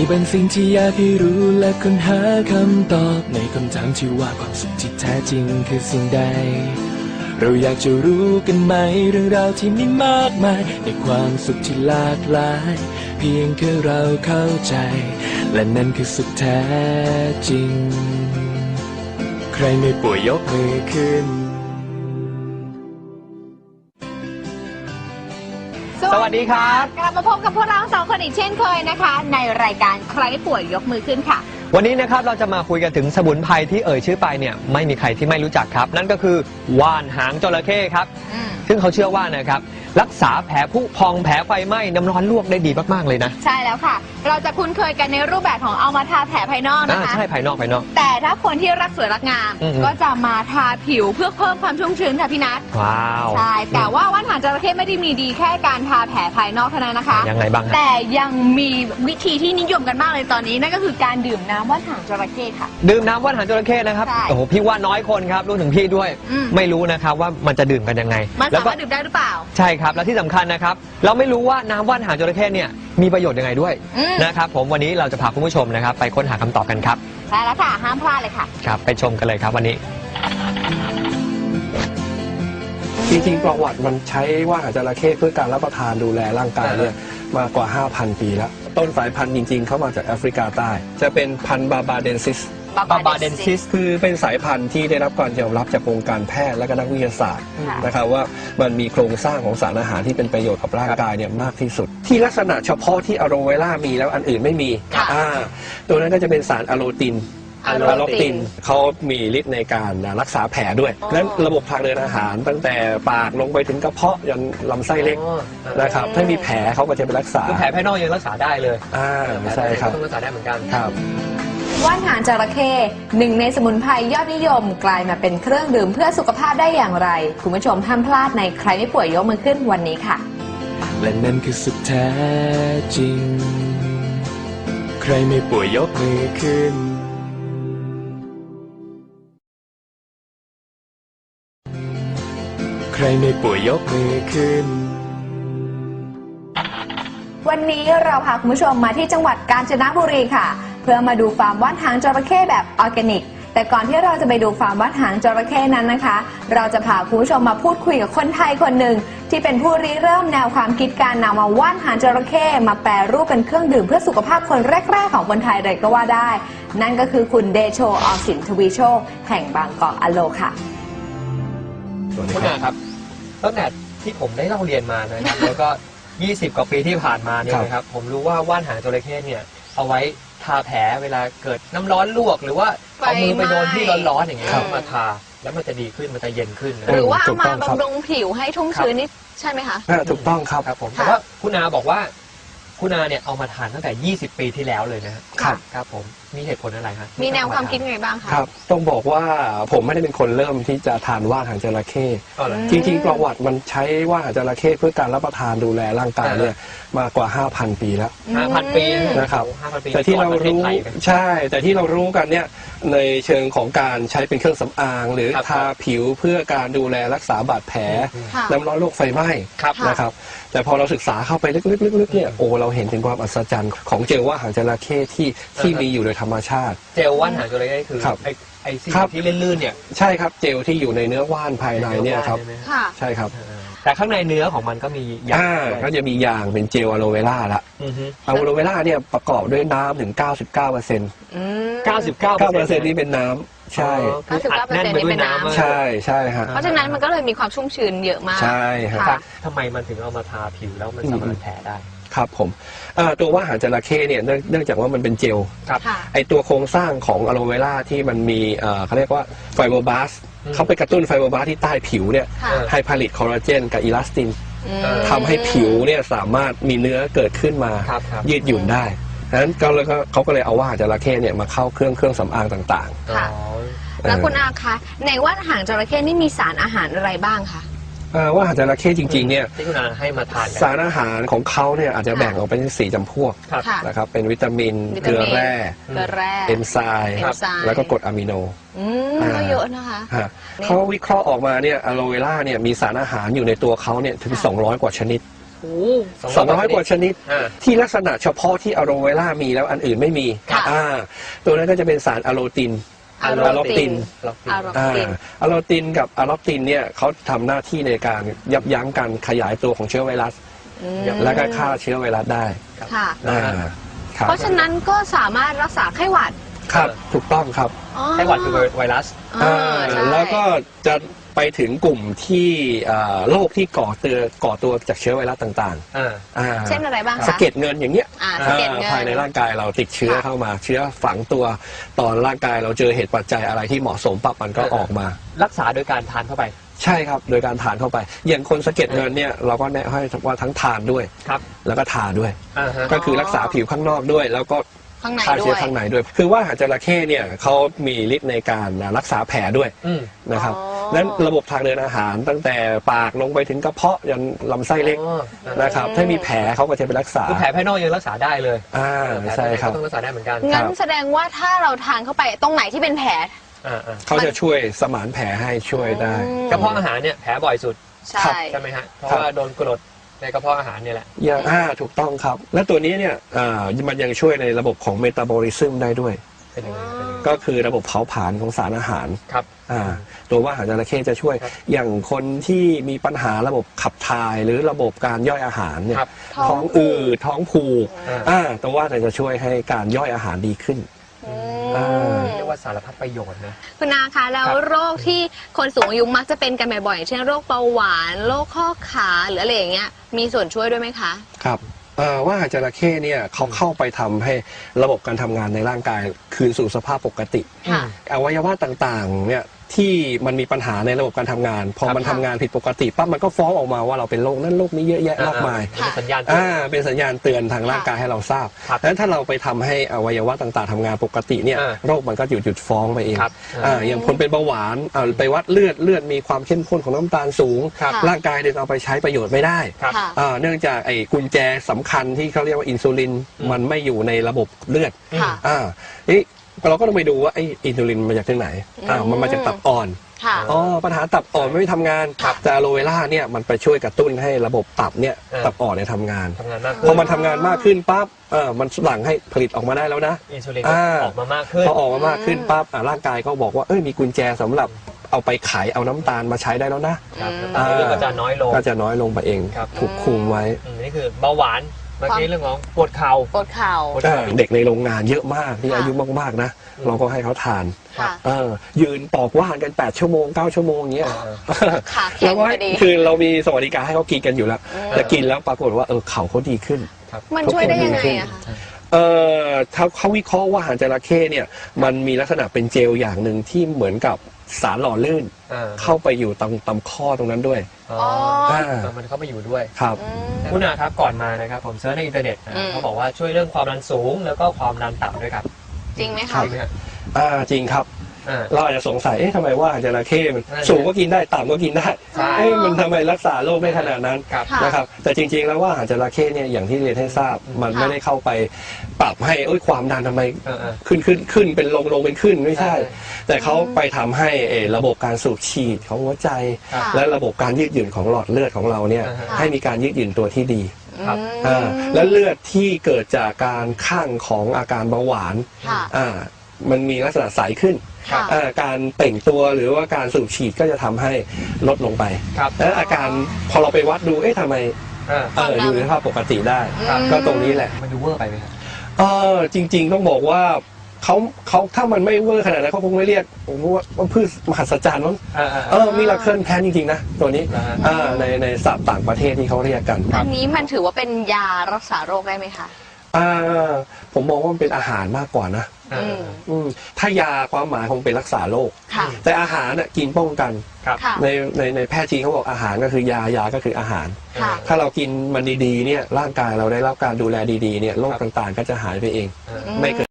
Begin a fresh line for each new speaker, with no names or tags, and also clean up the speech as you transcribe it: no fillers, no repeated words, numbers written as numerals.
เป็นสิ่งที่อยากให้รู้และค้นหาคำตอบในคำถามที่ว่าความสุขที่แท้จริงคือสิ่งใดเราอยากจะรู้กันไหมเรื่องราวที่มีมากมายในความสุขที่หลากหลายเพียงแค่เราเข้าใจและนั่นคือสุขแท้จริงใครไม่ป่วยยกมือขึ้น
สวัสดีครับ
กลับมาพบกับพวกเราสองคนอีกเช่นเคยนะคะในรายการใครป่วยยกมือขึ้นค่ะ
วันนี้นะครับเราจะมาคุยกันถึงสมุนไพรที่เอ่ยชื่อไปเนี่ยไม่มีใครที่ไม่รู้จักครับนั่นก็คือว่านหางจระเข้ครับซึ่งเขาเชื่อว่านะครับรักษาแผลผุพองแผลไฟไหม้น้ำร้อนลวกได้ดีมากๆเลยนะ
ใช่แล้วค่ะเราจะคุ้นเคยกันในรูปแบบของเอามาทาแผลภายนอกนะคะ
ใช่ภายนอก
แต่ถ้าคนที่รักสวยรักงามก็จะมาทาผิวเพื่อเพิ่มความชุ่มชื้นค่ะพี่นัท
ว้าว
ใช่แต่ว่าว่านหางจระเข้ไม่ได้มีดีแค่การทาแผลภายนอกเท่านั้นนะคะ
ยังไงบ้าง
แต่ยังมีวิธีที่นิยมกันมากเลยตอนนี้นั่นก็คือการดื่มน้ำว่านหางจระเข้ค่ะ
ดื่มน้ำว่านหางจระเข้นะครับโอ้โหพี่ว่าน้อยคนครับรู้ถึงพี่ด้วยไม่รู้นะครับว่ามันจะดื่มกันยังไง
มันสามารถดื่มได้หรือเปล่า
ใช่ครับและที่สำคัญนะครับเราไม่รู้ว่าน้ำว่านหางจระเข้เนี่ยมีประโยชน์ยังไงด้วยนะครับผมวันนี้เราจะพาคุณผู้ชมนะครับไปค้นหาคำตอบกันครับ
ใช่แล้วค่ะห้ามพลาดเลยค่ะ
ครับไปชมกันเลยครับวันนี้
จริงๆประวัติมันใช้ว่านหางจระเข้เพื่อการรับประทานดูแลร่างกายเนี่ยมากว่า 5,000 ปีแล้วต้นสายพันธุ์จริงๆเข้ามาจากแอฟริกาใต้จะเป็นพันธุ์บาบาเดนซิสคือเป็นสายพันธุ์ที่ได้รับการยอมรับจากวงการแพทย์และก็นักวิทยาศาสตร์นะครับว่ามันมีโครงสร้างของสารอาหารที่เป็นประโยชน์กับร่างกายเนี่ยมากที่สุดที่ลักษณะเฉพาะที่อะโลเวล่ามีแล้วอันอื่นไม่มีตัวนั้นก็จะเป็นสารอะโลตินเขามีฤทธิ์ในการรักษาแผลด้วยนั้นระบบทางเดินอาหารตั้งแต่ปากลงไปถึงกระเพาะยันลำไส้เล็กนะครับถ้ามีแผลเขาก็จะไปรักษา
แผลภายนอกยังรักษาได้เลย
ใช่ครับ
ต้องรักษาได้เหมือนกัน
ครับ
ว่านหางจระเข้หนึ่งในสมุนไพรยอดนิยมกลายมาเป็นเครื่องดื่มเพื่อสุขภาพได้อย่างไรคุณผู้ชมห้ามพลาดในใครไม่ป่วยยกมือขึ้นวันนี้ค่ะ
และนั่นคือสุขแท้จริงใครไม่ป่วยยกมือขึ้นใครไม่ป่วยยกมือขึ้น
วันนี้เราพาคุณผู้ชมมาที่จังหวัดกาญจนบุรีค่ะเพื่อมาดูฟาร์มว่านหางจระเข้แบบออร์แกนิกแต่ก่อนที่เราจะไปดูฟาร์มว่านหางจระเข้นั้นนะคะเราจะพาคุณผู้ชมมาพูดคุยกับคนไทยคนหนึ่งที่เป็นผู้ริเริ่มแนวความคิดการนำมาว่านหางจระเข้มาแปรรูปเป็นเครื่องดื่มเพื่อสุขภาพคนแรกๆของคนไทยเลยก็ว่าได้นั่นก็คือคุณเดโช อสินทวีโชคแห่งบางกอกอโลค่ะ
คุณอาครับตั้งแต่ที่ผมได้เล่าเรียนมานะครับแล้วก็20 กว่าปีที่ผ่านมาเนี่ยนะครับผมรู้ว่าว่านหางจระเข้เนี่ยเอาไว้ทาแผลเวลาเกิดน้ำร้อนลวกหรือว่าเอามือไปโดนที่ร้อนๆอย่างเงี้ยมาทาแล้วมันจะดีขึ้นมันจะเย็นขึ้น
หรือว่าเอามาบำรุงผิวให้ชุ่มชื้นนี่ใช่ไหมคะ
ถูกต้องครับ
ผมแต่ว่าคุณอาบอกว่าคุณอาเนี่ยเอามาทานตั้งแต่20 ปีที่แล้วเลยนะครับครับผมมีเหตุผลอะไรฮะ
มีแนวความคิดไงบ้างคะ
ครับต้องบอกว่าผมไม่ได้เป็นคนเริ่มที่จะทานว่านหางจระเข้จริงๆประวัติมันใช้ว่านหางจระเข้เพื่อการรับประทานดูแลร่างกายเนี่ยมากว่า 5,000 ปีแล้ว
5,000 ปี
นะครับแต่ที่เรารู้ใช่แต่ที่เรารู้กันเนี่ยในเชิงของการใช้เป็นเครื่องสำอางหรือทาผิวเพื่อการดูแลรักษาบาดแผลน้ำร้อนโรคไฟไหม้นะครับแต่พอเราศึกษาเข้าไปลึกๆเนี่ยโอ้เราเห็นถึงความอัศจรรย์ของเจลว่านหางจระเข้ที่มีอยู่โดยธรรมชาติ
เจลว่านหางจระเข้คือไอ้สิ่งที่ลื่นๆเนี่ย
ใช่ครับเจลที่อยู่ในเนื้อว่านภายในเนี่ยครับใช่ครับ
แต่ข้างในเนื้อของมันก็มียาง
ก็จะมียางเป็นเจลอะโลเวล่าละอะโลเวล่าเนี่ยประกอบด้วยน้ำถึง 99% 99% นี่เป็นน้ำใช่
99% นี่เป็นน้ำ
ใช่ใช่ฮะ
เพราะฉะนั้นมันก็เลยมีความชุ่มชื้นเยอะมาก
ใช่
ครับทำไมมันถึงเอามาทาผิวแล้วมันสามารถแผลได้
ครับผมตัวว่านหางจระเข้เนี่ยเนื่องจากว่ามันเป็นเจลไอตัวโครงสร้างของอะโลเวล่าที่มันมีเขาเรียกว่าไฟโบบลาสต์เขาไปกระตุ้นไฟโบบลาสต์ที่ใต้ผิวเนี่ยให้ผลิตคอลลาเจนกับอีลาสตินทำให้ผิวเนี่ยสามารถมีเนื้อเกิดขึ้นมายืดหยุ่นได้ดังนั้นเขาก็เลยเอาว่านหางจระเข้เนี่ยมาเข้าเครื่องสำอางต่าง
ๆแล้วคุณอาคะในว่านหางจระเข้นี่มีสารอาหารอะไรบ้างคะ
ว่าหางจระเข้จริงๆเนี่ย
ที่คุณอาให้มาทาน
สารอาหารของเขาเนี่ยอาจจะแบ่งออกเป็น4 จำพวกนะครับเป็นวิตามินเกลือแร่เอนไซม์แล้วก็กรดอะมิโน
ก็เยอะนะคะ
เขาวิเคราะห์ออกมาเนี่ยอะโลเวล่าเนี่ยมีสารอาหารอยู่ในตัวเขาเนี่ยถึง200 กว่าชนิด
โอ้
200 กว่าชนิด
อ่า
ที่ลักษณะเฉพาะที่อะโลเวล่ามีแล้วอันอื่นไม่มี
ค่ะ
ตัวนั้นก็จะเป็นสารอะโลติน
อะโลติน
ล็อกติน
อะโลติน
อะโลตินกับอะล็อปตินเนี่ยเขาทำหน้าที่ในการยับยั้งการขยายตัวของเชื้อไวรัส และก็ฆ่าเชื้อไวรัสได้
ค่ะ
ครับ
เพราะฉะนั้นก็สามารถรักษาไข้หวัด
ครับถูกต้องครับ
อ๋อ
ไข้หวัดคือไวรัส
ใช่
แล้วก็จะไปถึงกลุ่มที่โรคที่ก่อตัวจากเชื้อไวรัสต่าง
เช่นอะไรบ้างคะ
สะเก็ดเงินอย่างเงี้ย
สะเก็ดเงิน
ภายในร่างกายเราติดเชื้อเข้ามา เชื้อฝังตัวตอนร่างกายเราเจอเหตุปัจจัยอะไรที่เหมาะสมปั๊บมันก็ออกมา
รักษาโดยการทานเข้าไป
ใช่ครับโดยการทานเข้าไป อย่างคนสะเก็ดเงินเนี่ยเราก็แนะให้ว่าทั้งทานด้วย
ครับ
แล้วก็ทาด้วย
ฮะ
ก็คือรักษาผิวข้างนอกด้วย แล้วก็
ข้างใน
ฆ่า
ด้
เชื้
ว
อย ข้างในด้วย คือว่าหางจระเข้เนี่ยเขามีฤทธิ์ในการรักษาแผลด้วย
อืม
นะครับ
อ๋อ
นั้นระบบทางเดินอาหารตั้งแต่ปากลงไปถึงกระเพาะยันลำไส้เล็ก
อ๋อ
นะครับถ้ามีแผลเขาก็จะไปรักษา
คือแผลภายนอกยังรักษาได้เลย แผล
ใช่
ภายใน
ครับ
ก็ต้องรักษาได้เหมือนกัน
งั้นแสดงว่าถ้าเราทานเข้าไปตรงไหนที่เป็นแผล
อ่า
เขาจะช่วยสมานแผลให้ช่วยได้
กระเพาะอาหารเนี่ยแผลบ่อยสุด
ใช่
ใช่ไหมฮะ เพราะ
ครับ
ว่าโดนกรดในกระเพาะอาหารเนี่ยแหละ
อย่างถูกต้องครับ และตัวนี้เนี่ยมันยังช่วยในระบบของเมตาบอลิซึมได้ด้วย
เป็นยังไงเป็นยังไง
ก็คือระบบเผาผลาญของสารอาหาร
ครับ
ตัวว่าหางจระเข้จะช่วย
ครับ
อย่างคนที่มีปัญหาระบบขับถ่ายหรือระบบการย่อยอาหารเนี่ย
ครับ
ท้องอืดท้องผูก
อ่า
ตัวว่าจะช่วยให้การย่อยอาหารดีขึ้น
เรียกว่าสารพัดประโยชน์นะ
คุณนาคะแล้ว
ครับ
โรคที่คนสูงอายุมักจะเป็นกันบ่อยๆอย่างเช่นโรคเบาหวานโรคข้อขาหรืออะไรอย่างเงี้ยมีส่วนช่วยด้วยไหมคะ
ครับว่าหางจระเข้เนี่ยเขาเข้าไปทำให้ระบบการทำงานในร่างกายคืนสู่สภาพปกติ
ค่ะ
อวัยวะต่างๆเนี่ยที่มันมีปัญหาในระบบการทำงาน พอมัน
ครั
ทำ
บ
งานผิดปกติปั๊บมันก็ฟ้องออกมาว่าเราเป็นโรคนั้นโรคนี้เยอะแยะมากมาย
เป็นสัญญาณเตือน
เป็นสัญญาณเตือนทางร่างกายให้เราทราบ
ครับ
ดังนั้นถ้าเราไปทำให้อวัยวะต่างๆทำงานปกติเนี่ย โรคมันก็หยุดฟ้องไปเอง
ครับ
อย่างคนเป็นเบาหวานไปวัดเลือดมีความเข้มข้นของน้ำตาลสูง
ครับ
ร่างกายเดินเอาไปใช้ประโยชน์ไม่ได้
ครับ
ค่ะ
เนื่องจากไอ้กุญแจสำคัญที่เขาเรียกว่าอินซูลินมันไม่อยู่ในระบบเลือด
ค่ะ
นี่เราก็ต้องไปดูว่าไอ้อินซูลินมาจากที่ไหนมันมาจากตับอ่อน
ค่ะ
ปัญหาตับอ่อนไม่ทำงาน
ครับ
แต่อะโลเวล่าเนี่ยมันไปช่วยกระตุ้นให้ระบบตับเนี่ย ตับอ่อนเนี่ยทำงาน
ทำงานมาก
พอมันทำงานมากขึ้นปั๊บมันหลั่งให้ผลิตออกมาได้แล้วนะ
อินซูลินก็ออกมามากขึ้น
พอออกมามากขึ้นปั๊บร่างกายก็บอกว่ามีกุญแจสำหรับเอาไปขายเอาน้ำตาลมาใช้ได้แล้วนะครับ
น้ำตาลในเลือดก็จะน้อยลง
ก็จะน้อยลงไปเอง
ครับ
ถูกคุมไว้
นี่คือเบาหวานเมื่อกี้เรื่องของปวดเข่า
ปวดเข่า
ปวดเข่า
เด็กในโรงงานเยอะมากที่
ค่ะ
อายุมากๆนะ เราก็ให้เขาทาน
ค่ะ
ยืนปอกว่านกัน8ชั่วโมง9ชั่วโมงอย่างเงี้ย
ขาแข็
แล้
ง
วก็
พอดี
คือเรามีสวัสดิการให้เขากินกันอยู่แล้วแต่กินแล้วปรากฏว่าเขาดีขึ้น
มันช่วยได้ยังไงอะคะ
เขาวิเคราะห์ว่าหางจระเข้เนี่ยมันมีลักษณะเป็นเจลอย่างหนึ่งที่เหมือนกับสารหล่อลื่น เข้าไปอยู่ตรงข้อตรงนั้นด้วย
มันเข้าไปอยู่ด้วย
ครับ
คุณอาครับก่อนมานะครับผมเซิร์ชในอินเทอร์เน็ตนะเขาบอกว่าช่วยเรื่องความดันสูงแล้วก็ความดันต่ำด้วยครับ
จริงไหม
ครั
คะ
บ
จริงไหมฮะ
จริงครับ เราอาจจะสงสัยทำไมว่าหางจระเข้มัน
นั่นแหละ
สูงก็กินได้ต่ำก็กินได้
ใช่
มันทำไมรักษาโรคได้ขนาดนั้น
ครับ
ค่ะ
นะครับแต่จริงๆแล้วว่าหางจระเข้เนี่ยอย่างที่เรียนให้ทราบมันไม่ได้เข้าไปปรับให้ความดันทำไมขึ้นเป็นลงเป็นขึ้นไม่ใช่ แต่เขาไปทำให้ระบบการสูบฉีดของหัวใจ
ค่ะ
และระบบการยืดหยุ่นของหลอดเลือดของเราเนี่ย
ค่ะ
ให้มีการยืดหยุ่นตัวที่ดี
ครับ
และเลือดที่เกิดจากการข้างของอาการเบาหวาน
ค่ะ
มันมีลักษณะใสขึ้น
ค่ะ
การเปล่งตัวหรือว่าการสูบฉีดก็จะทำให้ลดลงไป
ครับ
และอาการพอเราไปวัดดูทำไมอยู่ในสภาพปกติได้ ก็ตรงนี้แหละ
มันดูเวอร์ไปไหมครับ
จริงๆต้องบอกว่าเขาถ้ามันไม่เวอร์ขนาดนั้นเขาคงไม่เรียกผมว่าพืชมหัศจรรย์มั้งมีลาเคิลแพนจริงๆนะตัวนี้ในศัพท์ต่างประเทศที่เขาเรียกกัน
อันนี้มันถือว่าเป็นยารักษาโรคได้ไหมคะ
ผมมองว่ามันเป็นอาหารมากกว่านะถ้ายาความหมายคงเป็นรักษาโรค
ค่ะ
แต่อาหารกินป้องกัน
ครับ
ค่ะ
ในแพทย์จีนเขาบอกอาหารก็คือยาก็คืออาหาร
ค่ะ
ถ้าเรากินมันดีๆเนี่ยร่างกายเราได้รับการดูแลดีๆเนี่ยโรคต่างๆ ก็จะหายไปเองไม่เกิด